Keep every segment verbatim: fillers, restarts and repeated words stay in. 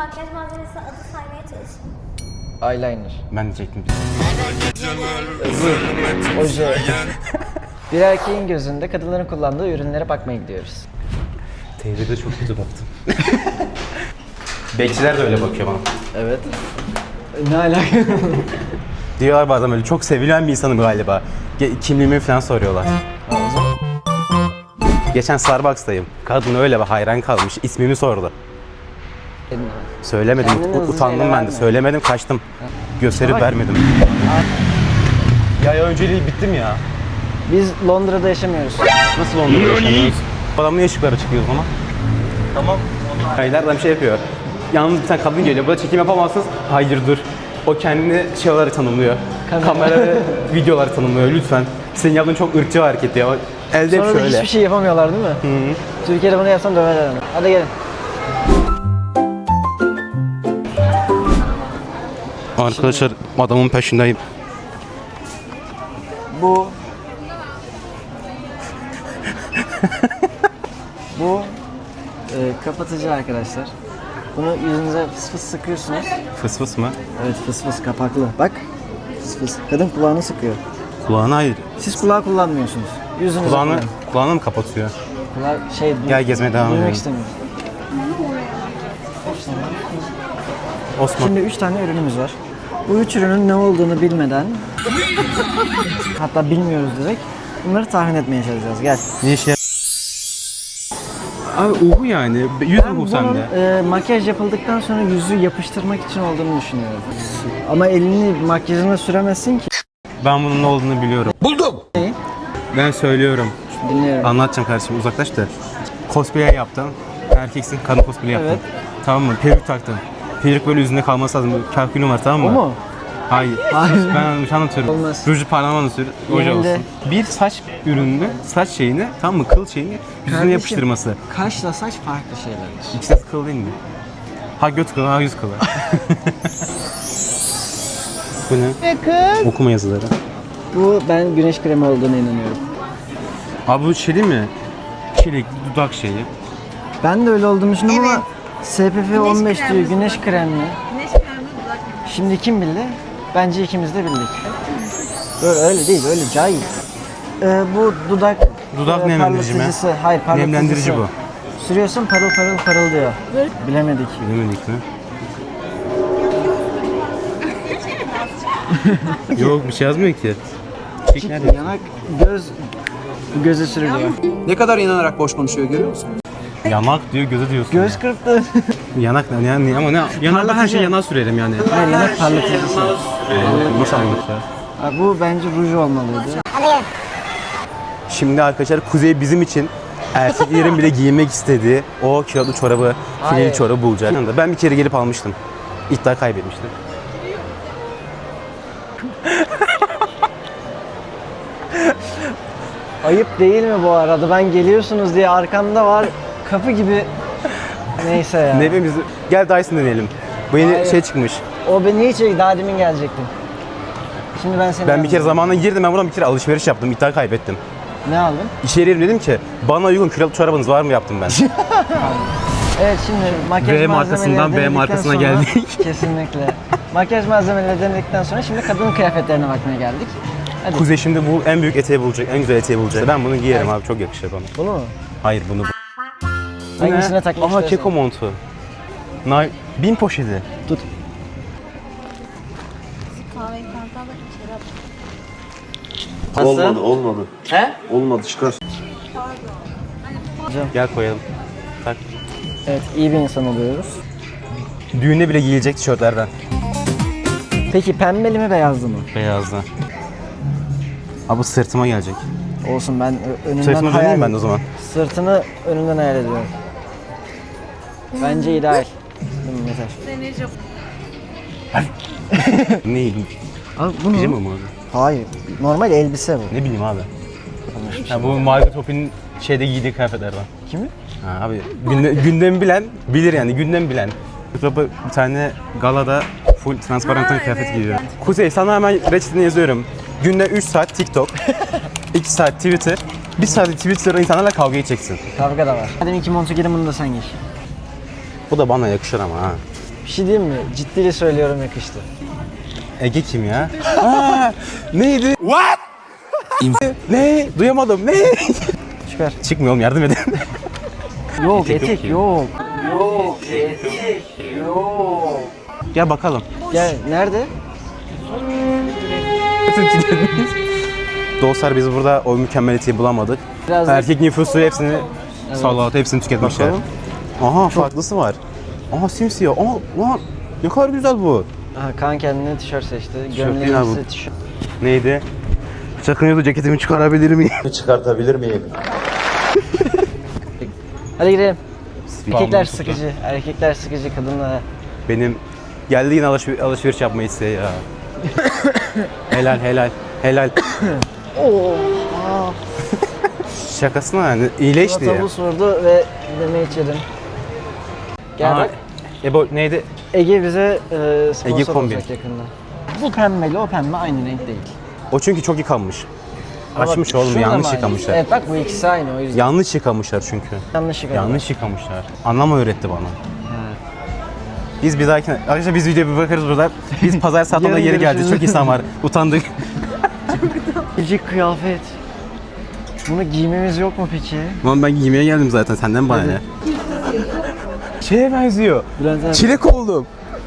makyaj malzemesi adı saymaya çalışın. Eyeliner. Ben diyecektim. Oje. Bir erkeğin gözünde kadınların kullandığı ürünlere bakmaya gidiyoruz. Teyze de çok kötü baktım. Bekçiler de öyle bakıyor bana. Evet. Ne alaka? Diyorlar bazen böyle çok sevilen bir insanım galiba. Ge- Kimliğimi falan soruyorlar. Geçen Starbucks'tayım. Kadın öyle bir hayran kalmış. İsmimi sordu. Söylemedim. Kendini u- hızlı Utandım ele ben de. verme. Söylemedim, kaçtım. Gösterip Bak. vermedim. Ya ya önceliği bittim ya. Biz Londra'da yaşamıyoruz. Nasıl Londra'da yaşamıyoruz? Adam niye ışıklara çıkıyor o zaman? Tamam. Hayırlar bir şey yapıyor. Yalnız bir tane kadın geliyor. Burada çekim yapamazsınız. Hayır dur. O kendini şey olarak tanımlıyor. Kamera. Kamera ve videoları tanımlıyor lütfen. Senin yaptığın çok ırkçı bir hareket ya. Elde hep Sonra da şöyle. hiçbir şey yapamıyorlar değil mi? Hı -hı. Türkiye'de bunu yapsam döverler onu. Hadi gelin. Arkadaşlar adamın peşindeyim. Bu Bu e, kapatıcı arkadaşlar. Bunu yüzünüze fıs fıs sıkıyorsunuz. Fıs fıs mı? Evet, fıs fıs kapaklı. Bak. Fıs fıs. Kadın kulağını sıkıyor. Kulağına hayır. Siz kulağı kullanmıyorsunuz. Yüzünüzü Kulağını, kullanın. kulağını mı kapatıyor? Kulak şey du- Gel gezmeye devam duymak edelim. istemiyorum. Osman. Şimdi üç tane ürünümüz var. Bu üç ürünün ne olduğunu bilmeden hatta bilmiyoruz direkt. Bunları tahmin etmeye çalışacağız. Gel. Ne işe? Abi uhu yani. Yüz Ben uhu bunun sende. e, makyaj yapıldıktan sonra yüzü yapıştırmak için olduğunu düşünüyorum. Ama elini makyajına süremezsin ki. Ben bunun ne olduğunu biliyorum. Buldum. Neyi? Ben söylüyorum. Dinliyorum. Anlatacağım kardeşim, uzaklaş da. Cosplay yaptın. Erkeksin, kadın cosplay yaptın. Evet. Tamam mı? Peruk taktın. Peruk böyle yüzünde kalması lazım. Kalkülün var, tamam mı? O mu? Hayır. Hayır. Ben anlamış anlatıyorum. Olmaz. Ruju parmağına sür, oje Yerinde. olsun. Bir saç ürününü, saç şeyini, tamam mı? Kıl şeyini yüzüne Kardeşim, yapıştırması. Kaşla saç farklı şeylerdir. İkisi de kıl değil mi? Ha göt kılı, ha yüz kılı. Bu ne? Kız. Okuma yazıları. Bu ben güneş kremi olduğuna inanıyorum. Abi bu şey değil mi? Çelik, dudak şeyi. Ben de öyle olduğunu düşündüm ama S P F on beş kremli diyor güneş dudak. kremli. Güneş kremli dudak. Şimdi kim bildi? Bence ikimiz de bildik. Böyle öyle değil, öyle cahil. Ee, bu dudak Dudak nemlendirici mi? parlatıcısı. Hayır, parlatıcısı. Nemlendirici bu. Sürüyorsun parıl parıl parıl diyor. Bilemedik. Bilemedik mi? Yok bir şey yazmıyor ki. Çek nerede? Yanak, göz, göze sürülüyor. Ne kadar inanarak boş konuşuyor görüyor musun? Yanak diyor, gözü diyorsun. Göz kırptı. Yanak ne yani ama ne? Yanak her şeyi yana sürerim yani. Hayır, yanak parlatıcısı. Nasıl anlamış ya? Ha, bu bence ruj olmalıydı. Şimdi arkadaşlar Kuzey bizim için erkeklerin bile giymek istediği o kilotlu çorabı, Hayır. fileli çorabı bulacak. Ben bir kere gelip almıştım. İddia kaybetmiştim. Ayıp değil mi bu arada? Ben geliyorsunuz diye arkamda var kapı gibi. Neyse ya. Ne bileyim biz gel Dyson deneyelim. Bu yeni Hayır. şey çıkmış. O beni hiç daha demin gelecektin. Şimdi ben seni Ben bir kere yalnız- zamanında girdim, ben buradan bir kere alışveriş yaptım, iddia kaybettim. Ne aldın? İçeri girdim, dedim ki bana uygun kilotlu çorabınız var mı yaptım ben. Evet, şimdi makyaj B malzemeleri markasından B denedikten markasına sonra- geldik. Kesinlikle. Makyaj malzemeleri denedikten sonra şimdi kadın kıyafetlerine bakmaya geldik. Hadi. Kuzey şimdi bu en büyük eteği bulacak, en güzel eteği bulacak. Ben bunu giyerim abi, çok yakışır bana. Bunu mu? Hayır bunu. Hangisine Ne? takmak Aha istiyorsan. keko montu. Nay bin poşeti. Tut. Kahveyi kanka da içeri at. Olmadı, olmadı. He? Olmadı, çıkar. Gel koyalım. Tak. Evet, iyi bir insan oluyoruz. Düğünde bile giyilecek tişörtlerden. Peki pembeli mi beyazlı mı? Beyazlı. Abi bu sırtıma gelecek. Olsun, ben ö- önünden Sırtımı hayal döneyim ben de o zaman. Sırtını önünden hayal ediyorum. Bence ideal. Değil mi? Yeter. Deneyeceğim. Ne? Abi bunu... Pijama mı abi? Hayır. Normal elbise bu. Ne bileyim abi. Ya bu Margot Robbie'nin şeyde giydiği kıyafetlerden. Kimi? Ha abi günde, gündemi bilen bilir yani gündem bilen. Margot bir tane galada full transparantan kıyafet giyiyor. Kuzey sana hemen reçetini yazıyorum. Günde üç saat TikTok, iki saat Twitter, bir saat Twitter'da insanlarla kavga edeceksin. Kavga da var. Hadi iki montu girin, bunu da sen giy. Bu da bana yakışır ama ha. Bir şey diyeyim mi? Ciddiyle söylüyorum yakıştı. Ege kim ya? Aa, neydi? What? Ne? Duyamadım. Ne? Çıkar. Çıkmıyor oğlum, yardım edin. Yok Etek etek yok ki. yok. Yok etek yok. Gel bakalım. Gel nerede? Dostlar biz burada o mükemmeliyeti bulamadık. Biraz da- Erkek nüfusu hepsini salladı, hepsini tüketmişler. Bakalım. Aha farklısı var. Aha simsiyah. Aha lan ne kadar güzel bu. Aha, Kaan kendine tişört seçti. değil abi bu. Gömleğimizi tişört. Neydi? Sakınıyordu, ceketimi çıkarabilir miyim? Çıkartabilir miyim? Hadi gidelim. Erkekler Bağımlı sıkıcı. Erkekler sıkıcı, kadınlar. Benim geldi yine alışveriş, alışveriş yapmayı isteği ya. helal helal helal. Oo. Şakasına yani iyileşti ya. Otobüs vurdu ve yemeği içelim. Gel Aha, bak. Ebo neydi? Ege bize e, sponsor Ege kombi. olacak yakında. Bu pembeyle o pembe aynı renk değil. O çünkü çok yıkanmış. Ama Açmış oğlum, şununla yanlış mı aynı? yıkamışlar. Evet bak bu ikisi aynı o yüzden. Yanlış yıkamışlar çünkü. Yanlış yıkamışlar. Yanlış yıkamışlar. Anlama öğretti bana. Biz bir dahaki arkadaşlar biz videoya bir bakarız burada. Biz pazar saatinde Yarın geri geldik. görüşürüz. Çok insan var. Utandık. Gelecek kıyafet. Bunu giymemiz yok mu peki? Lan ben giymeye geldim zaten, senden bana ne? Şeye benziyor. Bülent abi. Çilek oldum.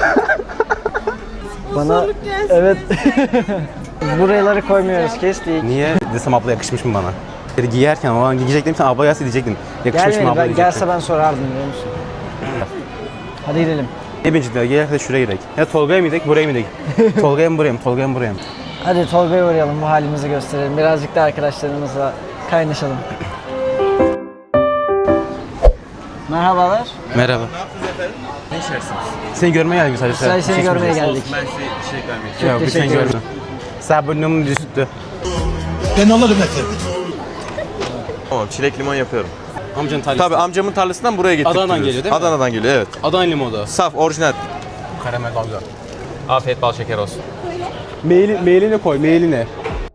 Bana evet. Buraları koymuyoruz, kestik. Niye? Desem abla yakışmış mı bana? Dedi giyerken ama giyecektim, sen abla gelse diyecektim. Yakışmış mı Gelmedi, abla ben, diyecektim. gelse ben sorardım biliyor musun? Hadi gidelim. Ne binciler, gel de şuraya gidelim. Ya Tolga'ya mı gidelim, buraya mı gidelim? Tolga'ya mı buraya mı, Tolga'ya mı buraya mı? Hadi Tolga'ya uğrayalım, bu halimizi gösterelim. Birazcık da arkadaşlarımızla kaynaşalım. Merhabalar. Merhaba. Ne içersiniz? Seni görmeye geldik sadece. Sadece seni Hiç görmeye mi? geldik. Ben size içecek vermeyeyim. Çok Yok, bir teşekkür seni ederim. gördüm. Sabunlumun düştü. Ben alırım eti. Tamam, çilek limon yapıyorum. Amcanın tarlası. Tabii amcamın tarlasından buraya getirtiyoruz. Adana'dan geliyor değil mi? Adana'dan geliyor, evet. Adana limodu. Saf, orijinal. Karamel dalga. Afiyet bal şeker olsun. Maili, mailine koy, mailine.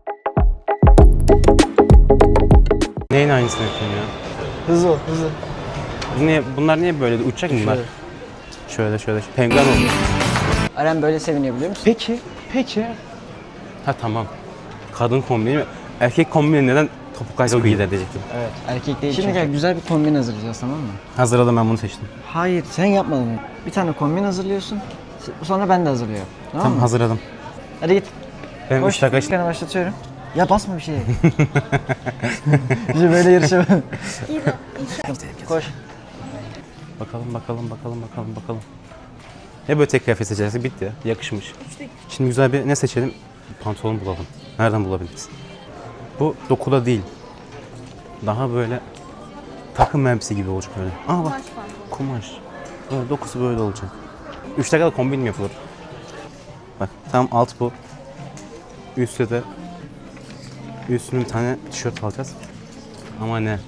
Neyin aynısını yapıyorsun ya? Hızlı ol, hızlı. Bu niye, bunlar niye böyle? Uçacak mı bunlar? Şöyle şöyle. Penguen olmuş. Aren böyle seviniyor biliyor musun? Peki, peki. Ha tamam. Kadın kombini mi? Erkek kombini neden topuk ayakkabı gider diyecektim. Evet, erkek değil. Şimdi gel güzel bir kombin hazırlayacağız, tamam mı? Hazırladım, ben bunu seçtim. Hayır, sen yapmadın. Bir tane kombin hazırlıyorsun. Sonra ben de hazırlıyorum. Tamam, Tamam, mı? hazırladım. Hadi git. Ben Koş, üç dakika bir tane başlatıyorum. Ya basma bir şeye. Bizi böyle yarışamam. Koş. Bakalım, bakalım, bakalım, bakalım, bakalım. Ne böyle tek kıyafet seçersek bitti ya. Yakışmış. Şimdi güzel bir ne seçelim? Pantolon bulalım. Nereden bulabiliriz? Bu dokuda değil. Daha böyle takım elbise gibi olacak öyle. Aa bak. Kumaş. Böyle dokusu böyle olacak. Üç dakikada kombin mi yapılır? Bak tam alt bu. Üstte de üstüne bir tane tişört alacağız. Ama ne?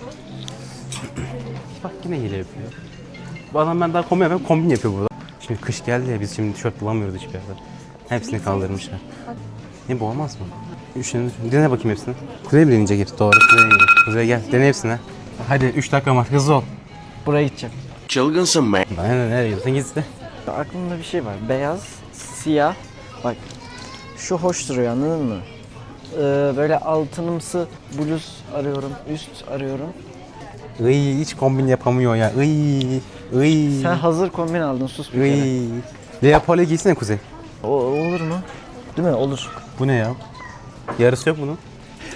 Bak yine hile yapıyor. Bu adam ben daha kombin yapıyorum, kombin yapıyor burada. Şimdi kış geldi ya, biz şimdi tişört bulamıyoruz hiçbir yerde. Hepsini kaldırmışlar. Ne bu olmaz mı? Üçünü dene bakayım hepsini. Kuzey mi deneyecek hepsi? Doğru. Kuzey deneyecek. Kuzey gel dene hepsini. Hadi üç dakika var, hızlı ol. Buraya gideceğim. Çılgınsın man. Bana ne, nereye gidiyorsun? Git işte. Aklımda bir şey var. Beyaz, siyah. Bak şu hoş duruyor, anladın mı? Ee, böyle altınımsı bluz arıyorum, üst arıyorum. Iy, hiç kombin yapamıyor ya. Iy, iy. Sen hazır kombin aldın, sus bir kere. Iy. Leopol'e giysene Kuzey. O, olur mu? Değil mi? Olur. Bu ne ya? Yarısı yok bunun.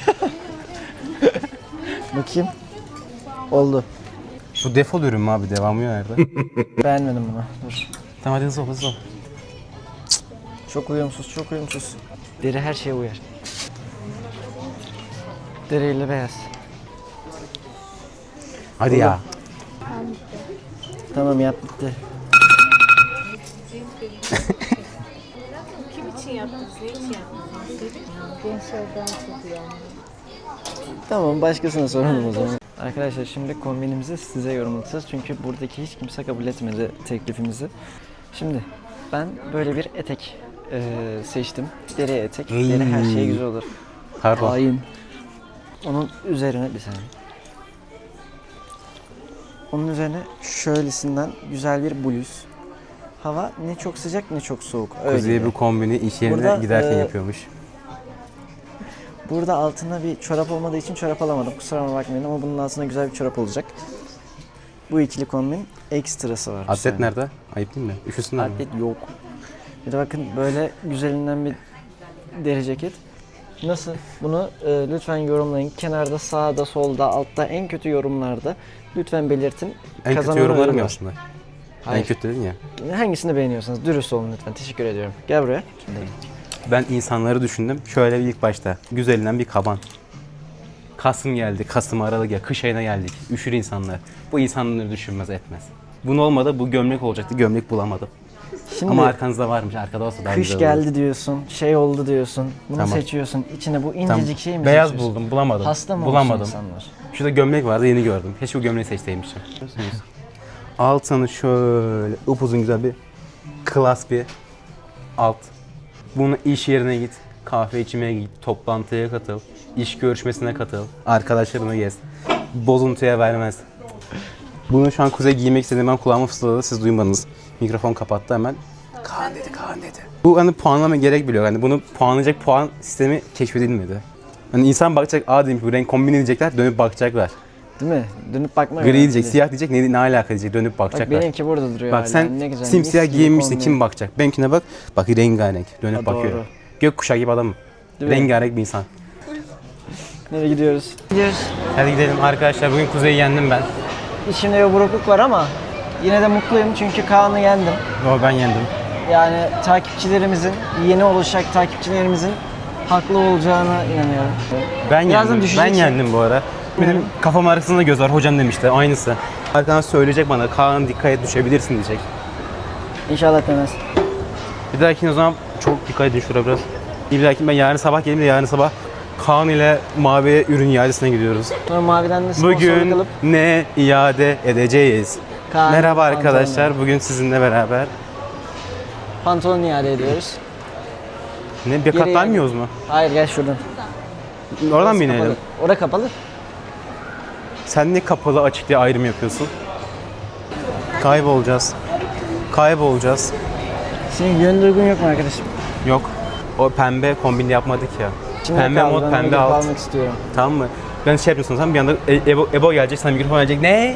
Bakayım. Oldu. Bu defol ürün mü abi? Devamı yok nerede? Beğenmedim bunu. Dur. Tamam hadi hızlı ol, hızlı ol. Çok uyumsuz, çok uyumsuz. Deri her şeye uyar. Deriyle beyaz. Hadi ya. Tamam yap bitti. Kim için yaptınız? Ne için yaptınız? Gençlerden çok yani. Tamam başkasına soralım o zaman. Arkadaşlar şimdi kombinimizi size yorumlatacağız. Çünkü buradaki hiç kimse kabul etmedi teklifimizi. Şimdi ben böyle bir etek e, seçtim. Deri etek. Deri her şeye güzel olur. Pardon. Hain. Onun üzerine bir saniye. Onun üzerine şöylesinden güzel bir bluz. hava ne çok sıcak ne çok soğuk. Öyle. Kuzey bu kombini iş yerine Burada, giderken e, yapıyormuş. Burada altında bir çorap olmadığı için çorap alamadım. Kusura bakmayın ama bunun altında güzel bir çorap olacak. Bu ikili kombin ekstrası var. bu Atlet sene. nerede? Ayıp değil mi? Üşüsünler mi? Atlet yok. Bir de bakın böyle güzelinden bir deri ceket. Nasıl? Bunu e, lütfen yorumlayın. Kenarda, sağda, solda, altta, en kötü yorumlarda lütfen belirtin. En kötü Kazananı yorumlarım ödül ya var. aslında. En Hayır. kötü dedin ya. Hangisini beğeniyorsanız dürüst olun lütfen. Teşekkür ediyorum. Gel buraya. Ben insanları düşündüm. Şöyle bir ilk başta. Güzelinden bir kaban. Kasım geldi. Kasım Aralık ya. Kış ayına geldik. Üşür insanlar. Bu insanları düşünmez etmez. Bunun olmadı. Bu gömlek olacaktı. Gömlek bulamadım. Şimdi Ama arkanızda varmış. Arkada olsa daha kış güzel olurdu. geldi diyorsun, şey oldu diyorsun. Bunu Tamam. seçiyorsun. İçine bu incecik Tamam. şey mi Beyaz seçiyorsun? buldum. Bulamadım. Hasta mı Bulamadım. olsun insanlar? Şurada gömlek vardı. Yeni gördüm. Keşke bu gömleği seçseymişim. Altını şöyle upuzun güzel bir klas bir alt. Bunu iş yerine git. Kahve içmeye git. Toplantıya katıl. İş görüşmesine katıl. Arkadaşlarına gez. Bozuntuya vermez. Bunu şu an Kuzey giymek istediğim ben kulağıma fısıldadı. Siz duymadınız. Mikrofon kapattı hemen. Kaan dedi, Kaan dedi. Bu hani puanlama gerek biliyor. Hani bunu puanlayacak puan sistemi keşfedilmedi. Hani insan bakacak, aa demiş bu renk kombin edecekler, dönüp bakacaklar. Değil mi? Dönüp bakma. Gri önemli diyecek, değil. siyah diyecek, ne, ne alaka diyecek, dönüp Bak bakacaklar. benimki burada duruyor Bak hala. sen Ne güzel, simsiyah mis gibi giyinmişsin, kombin. kim bakacak? Benimkine bak, bak rengarenk, dönüp Ha, bakıyor. doğru. Gökkuşağı gibi adamım. Değil mi? Rengarenk bir insan. Nereye gidiyoruz? Gidiyoruz. Hadi gidelim arkadaşlar, bugün Kuzey'i yendim ben. İçimde bir burukluk var ama yine de mutluyum çünkü Kaan'ı yendim. Yo, ben yendim. Yani takipçilerimizin, yeni oluşacak takipçilerimizin haklı olacağına inanıyorum. Ben Birazdan yendim, ben düşeceksin. yendim bu ara. Benim kafam arasında göz var, hocam demişti, aynısı. Arkadan söyleyecek bana, Kaan dikkat et düşebilirsin diyecek. İnşallah demez. Bir dahakine o zaman çok dikkat edin şuraya biraz. Bir dahakine ben yarın sabah geleyim de yarın sabah Kaan ile Mavi'ye ürün iadesine gidiyoruz. Sonra Mavi'den de sponsorluk Bugün alıp ne iade edeceğiz? Kaan Merhaba pantolonu. arkadaşlar, bugün sizinle beraber. pantolon iade ediyoruz. Ne, bir Geri katlanmıyoruz mu? Hayır gel şuradan. Oradan mı Kapalı. inelim? Orada kapalı. Sen ne kapalı açık diye ayrım yapıyorsun? Kaybolacağız. Kaybolacağız. Senin yön duygun yok mu arkadaşım? Yok. O pembe kombini yapmadık ya. İçimde Pembe kaldı, mod, ben onu pembe gidip alt. almak istiyorum. Tamam mı? Ben şey yapıyorsun sen bir anda E- Ebo, Ebo gelecek, sana mikrofon verecek. Ne?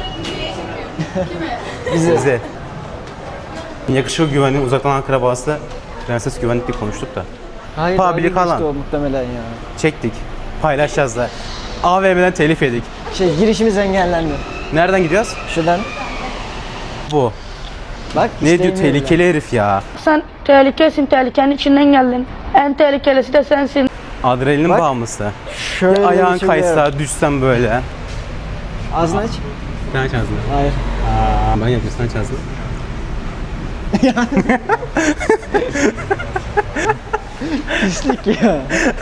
Bizi. Bize. Yakışıklı güvenliğin uzaktan akrabası Prenses Güvenlik'le konuştuk da. Hayır, Public daha alan. geçti o muhtemelen ya. Çektik. Paylaşacağız da. A V M'den telif yedik. Şey girişimiz engellendi. Nereden gidiyoruz? Şuradan. Bu. Bak. Ne işte diyor emiyorum tehlikeli herif ya. Sen tehlikesin, tehlikenin içinden geldin. En tehlikelisi de sensin. Adrenalin Bak. bağımlısı. ben. Şöyle Ayağın geçebiliyorum. kaysa, düşsen böyle. Ağzını aç. Sen aç ağzını. Hayır. Ben yapıyorum, sen aç ağzını. Pislik ya.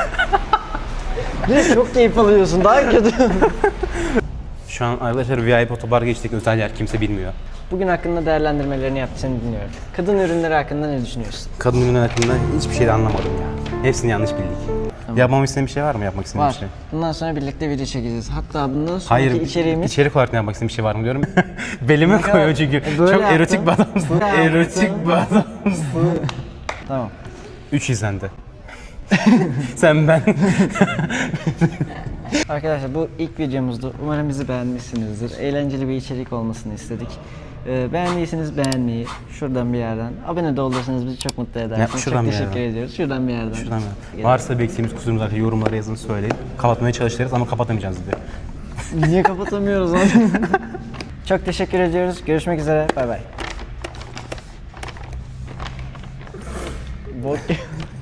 Ne çok keyif alıyorsun. Daha kötü. Şu an arkadaşlar V I P otobar geçtik, özel yer, kimse bilmiyor. Bugün hakkında değerlendirmelerini yaptı, seni dinliyorum. Kadın ürünleri hakkında ne düşünüyorsun? Kadın ürünler hakkında hiçbir şey de anlamadım ya. Hepsini yanlış bildik. Yapmam istediğin bir şey var mı? Yapmak istediğin Var. bir şey? Bundan sonra birlikte video çekeceğiz. Hatta bundan sonraki Hayır, içeriğimiz... içerik olarak ne yapmak istediğin bir şey var mı diyorum. Belime kadar- koyuyor çünkü. E, böyle Çok yaptım. erotik bir adamsın. Böyle Erotik yaptım. bir adamsın. Tamam. Üç izlendi. Sen ben. Arkadaşlar bu ilk videomuzdu. Umarım bizi beğenmişsinizdir. Eğlenceli bir içerik olmasını istedik. Ee, beğendiyseniz beğenmeyi, şuradan bir yerden, abone de olursanız bizi çok mutlu edersiniz. Ya, şuradan çok bir teşekkür yerden. ediyoruz. Şuradan bir yerden. Şuradan mı? Gel. Varsa bir eksiğimiz, kusurumuz varsa yorumlara yazın, söyleyin. Kapatmaya çalışırız ama kapatamayacağız diyor. Niye kapatamıyoruz onu? Çok teşekkür ediyoruz. Görüşmek üzere. Bay bay. Bot